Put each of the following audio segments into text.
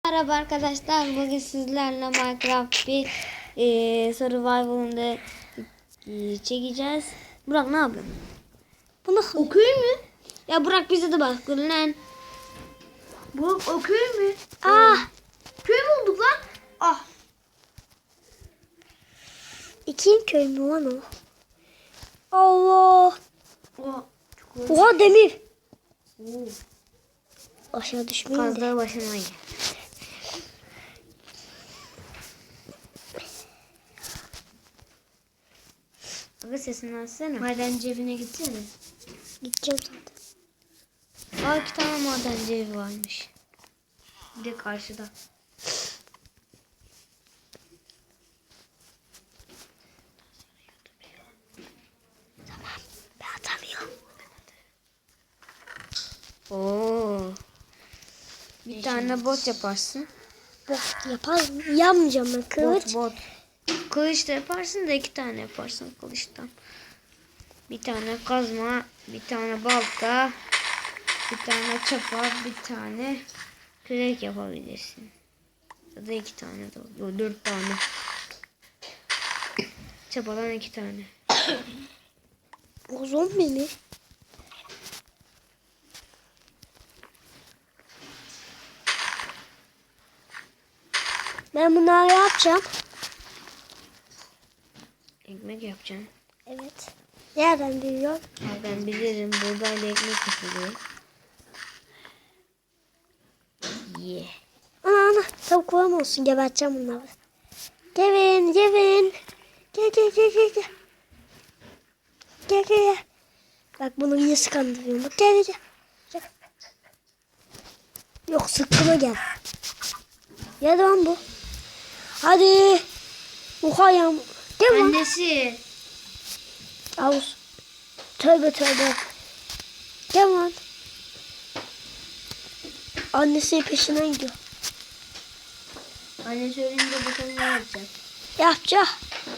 Merhaba arkadaşlar, bugün sizlerle Minecraft bir survival'ında çekeceğiz. Burak ne yapıyorsun? Bunu okuyayım mı? Ya Burak bize de bak lan. Bu okuyayım mı? Ah! Köy mü olduk lan? Ah. İkinci köy mü lan o? Allah! Oha. Oha demir! Oo. Aşağı düşmeyin de. Kazdığı başına gel. Abi sesini açsana. Madenci evine gitsene. Gideceğim zaten. Aa, 2 tane madenci evi varmış. Bir de karşıda. Ben atamıyorum. Oo. Bir tane bot yaparsın. Bot yaparım. Yapmayacağım ben. Kılıç. Bot. Kılıç da yaparsın da 2 tane yaparsın kılıçtan. Bir tane kazma, bir tane balta, bir tane çapa, bir tane kürek yapabilirsin. Ya da 2 tane de olur. 4 tane. Çapadan 2 tane. O zombi mi? Ben bunları yapacağım. Ekmek yapacaksın. Evet. Nereden biliyorum? Ya ben bilirim, buğdayla ekmek yapılıyor. Yeah. Ana tavuklarım olsun. Geberteceğim bunları. Gelin gelin. Gel gel gel gel gel. Gel gel gel. Bak bunu yine skandırıyorum. Bak gel gel gel. Yok sıkkına gel. Gel lan bu. Hadi. Oha ya. Gel lan. Annesi. Avuz. Tövbe tövbe. Gel lan. Annesi peşinden gidiyor. Anne söyleyince bakalım ne yapacak. Yapacak.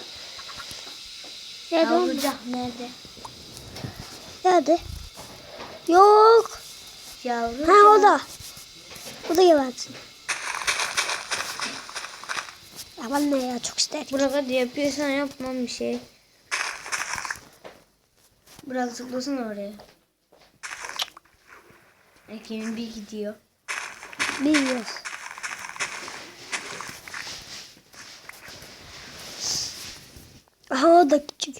Nerede oğlum? Yavrucak nerede? Nerede? Yok. Yavru. Ha o da. O da gebertin. Ya ben ne ya çok isterim. Burak hadi yapıyorsan yapmam bir şey. Burak zıplasın oraya. Ekim'in bir gidiyor. Bilmiyoruz. Aha o da küçük.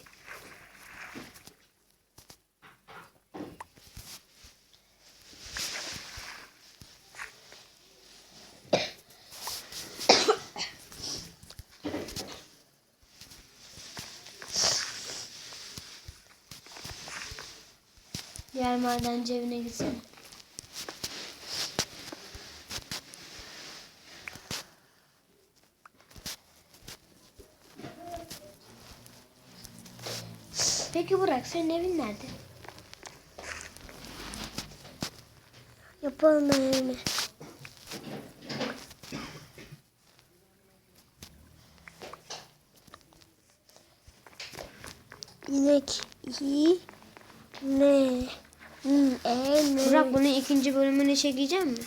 Diğer madenci evine gitsene. Peki Burak senin evin nerede? Yapalım ben evimi. İnek iyi ne? Ne? Burak bunun 2. bölümünü çekecek mi?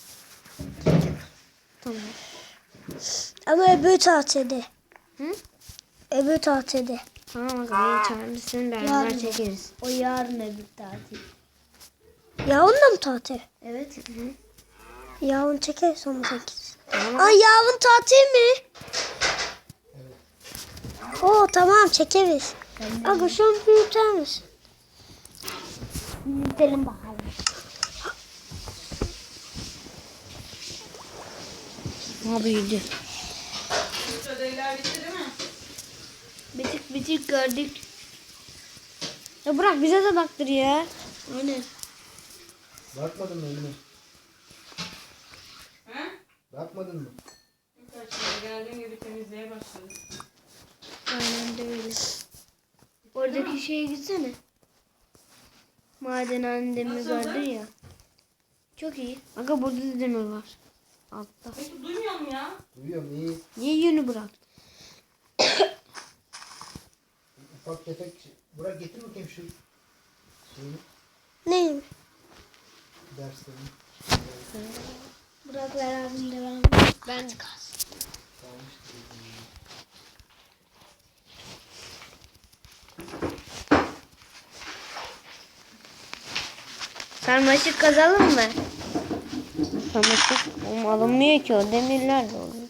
Tamam. Ama öbür tatilde. Hı? Öbür tatilde. Tamam aga çağırırsın beraber Yarın. çekeriz. O yarın öbür tatil. Yarın da mı tatil? Evet. Hı. Yarın çekeriz onu çekeriz. Tamam. Aa yarın tatil mi? Oo tamam çekeriz. Aga şu an büyüter misin? Gidelim bakalım. Ha büyüdü. Ödevler bitti değil mi? Bitik gördük. Ya Burak bize de baktır ya. Aynen. Bakmadın mı önüne? He? Bakmadın mı? Birkaç kere geldiğin gibi temizliğe başladım. Aynen de öyle. Oradaki şeye gitsene. Maden demir vardır ya. Çok iyi. Aga burada da demir var. Altta. Peki duymuyor mu ya? Duyuyorum iyi. Niye yönü bırak? Ufak tefek Burak getir bakayım şu şeyini, Neyim? derslerini. Burak ver abim de ver. Ben sarmaşık kazalım mı? Sarmaşık alınmıyor ki, o demirler de oluyor.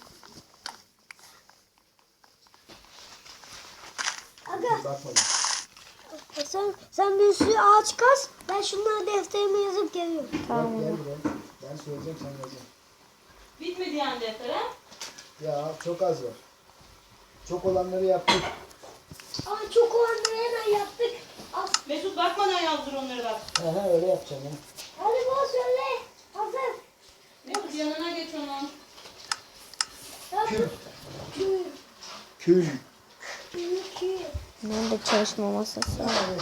Aga Bakmadım. sen bir sürü ağaç kaz. Ben şunları defterime yazıp geliyorum. Tamam. Bak gel buraya. Ben söyleyeceğim sen yazacaksın. Bitmedi yani defter ha? Ya çok az var. Çok olanları yaptık. Aa çok olanları hemen yaptık. Al. Mesut bakmadan yazdır onları bak. He öyle yapacağım ya. Hadi bana söyle. Hazır. Mesut yanına geç onun. Kül. Kül. Kül. Kül. Nerede çalışma masası? Hadi.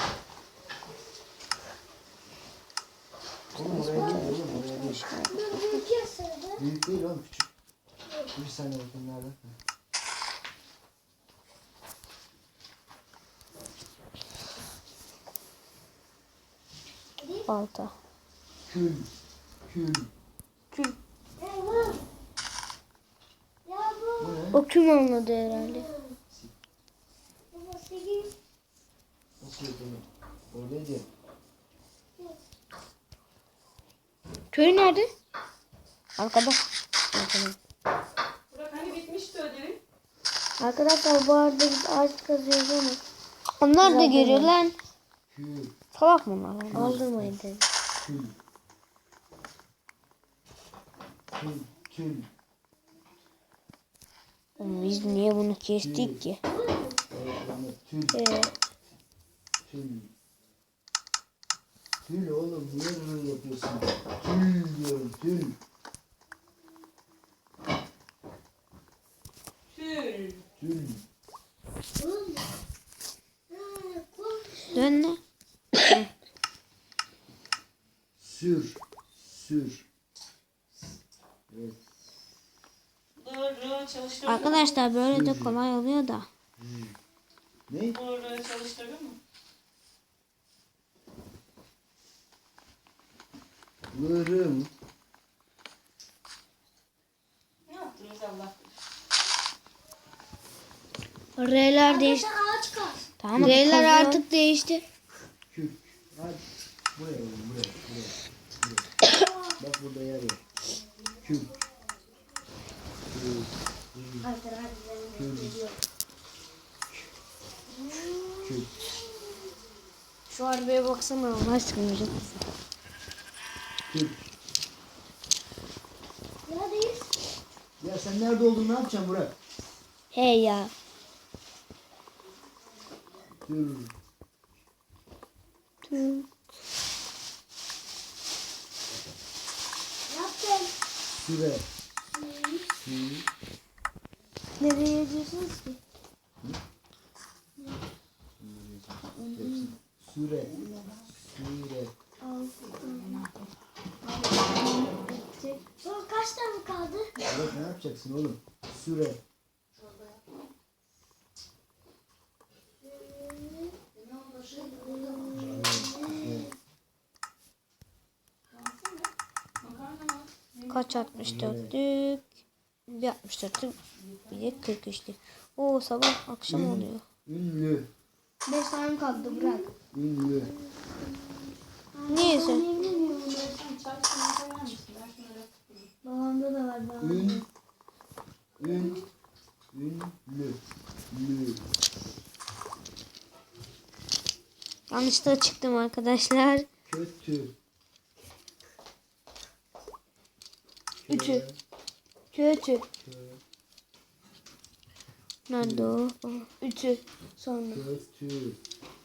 Oğlum oraya değil, oğlum oraya değil. Dur büyük yazsana. Büyük değil oğlum, küçük. Bir saniye bakayım nerede? Balta. Kül. Kül. Eyvah. Ya bu. Bu ne? O kim anladı herhalde? Baba 8. Nasıl yapalım? Oradaydı ya. Köy nerede? Arkada. Arkada. Burak hani bitmişti ödevin? Arkadaşlar bu arada biz ağaç kazıyoruz ama. Onlar da geliyor lan. Kül. Salak mı onlar? Aldırmayın dedi. Kül. Kül. Kül. Oğlum biz niye bunu kestik ki? Evet, yani tül. Tül. Tül oğlum, niye böyle yapıyorsun? Tül diyorum, tül. Tül. Tül. Dön ne? Sür. Sür. Evet. Doğru çalıştırdın mı? Arkadaşlar böyle de kolay oluyor da. Ne? Doğru çalıştırdın mı? Vırım. Ne yaptınız Allah bilir. R'ler değişti. Sen ağaç kaz. Tamam. R'ler artık değişti. Kül. Hadi. Buraya oğlum, buraya. Buraya. Bak burada yer var. Kül. Kül. Kül. Kül. Şu arabaya baksana Allah aşkına. Kül. Neredeyiz? Ya sen nerede olduğunu ne yapacaksın Burak? Hey ya. Kül. Yaptım. Süre. Sü. Nereye yazıyorsunuz ki? Süre. Süre. Son kaç tane kaldı? Burak ne yapacaksın oğlum? Süre. Kaç 64'lük? Bir 64'lük. Bir de 43'lük. Oo sabah akşam oluyor. Ünlü. 5 tane kaldı bırak. Ünlü. Neyse. Babamda da var. Babamda. Ün. Ün. Ünlü. Lü. Yanlışlıkla çıktım arkadaşlar. Kötü. Ütü. Kötü. Nerede o? Ütü. Sonra. Kötü.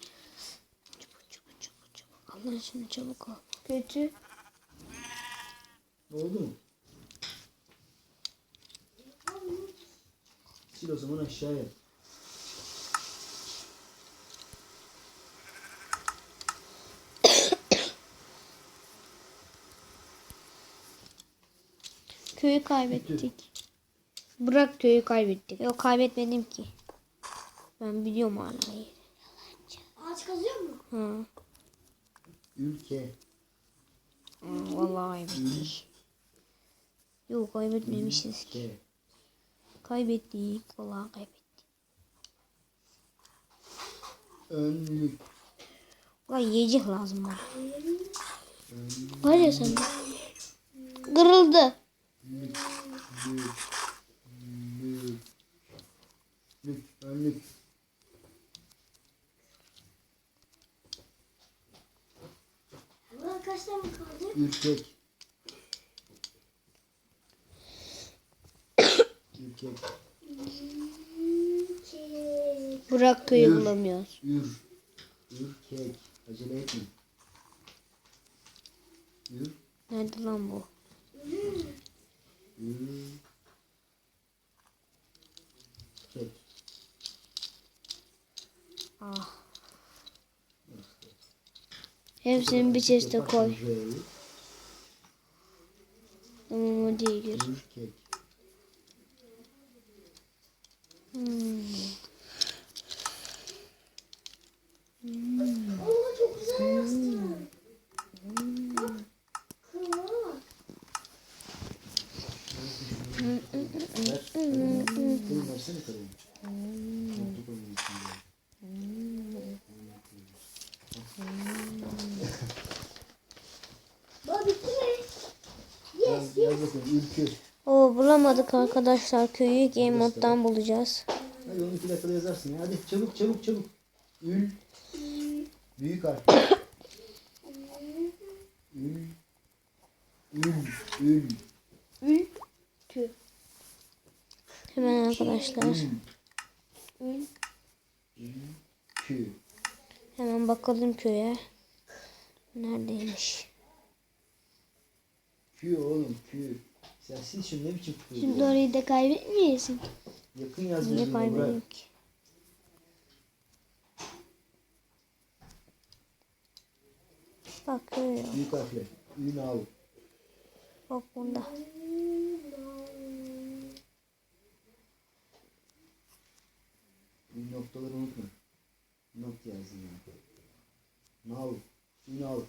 Çabuk. Allah aşkına çabuk ol. Kötü. Oldu mu? Sil o zaman aşağıya. Köyü kaybettik. Bırak köyü kaybettik. Yok kaybetmedim ki. Ben biliyorum hala yeri. Ağaç kazıyor mu? Ha. Ülke. Vallahi kaybettik. Yok kaybetmemişiz. K. Kaybettik. Vallahi kaybettik. Önlük. Ulan yiyecek lazım bana. Var ya sende. Kırıldı. Lük. Önlük. Ulan kaç tane kaldı? Ürkek. Ürkek. Burak köyü bulamıyoruz. Ürkek. Acele etme. Nerede lan bu? Ürkek. Ah. Hepsini bir chest'e koy. R'yi. Tamam o değil. Ürkek. Oo çok güzel yazdı. Kırmızı. Kırım versene kırım. Nokta koymuyorsun ya. Baba bitti mi? Yes. Yaz bakalım ürkü. Oo bulamadık arkadaşlar köyü. Game moddan bulacağız. Hadi onu 2 dakikada yazarsın ya. Hadi çabuk. Ül. Büyük harf. Ül. Hemen arkadaşlar. Kü. Hemen bakalım köye. Neredeymiş? Kü oğlum kü. Sen sil şunu ne biçim kü? Şimdi orayı da kaybetmeyesin. Yakın yaz Niye gözünü bırak. kaybedeyim ki? Bak köy yok. Büyük harfle. Ünal. Bak bunda. Noktaları unutma. Nokta yazın ya. Nal. Ünal.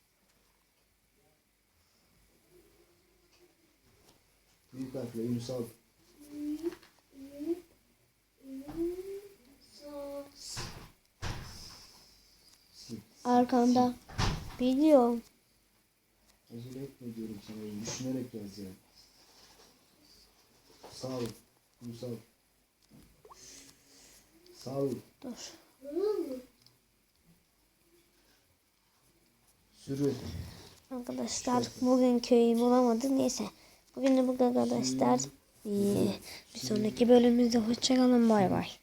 Büyük harfle Ünsal. Sil. Arkanda. Biliyorum. Acele etme diyorum sana. Düşünerek yaz ya. Sağ ol. Ünsal. Sağ ol. Dur. Sürü. Arkadaşlar bugün köyü bulamadık. Neyse. Bugün de bu kadar arkadaşlar. Bir sonraki bölümümüzde hoşçakalın. Bay bay.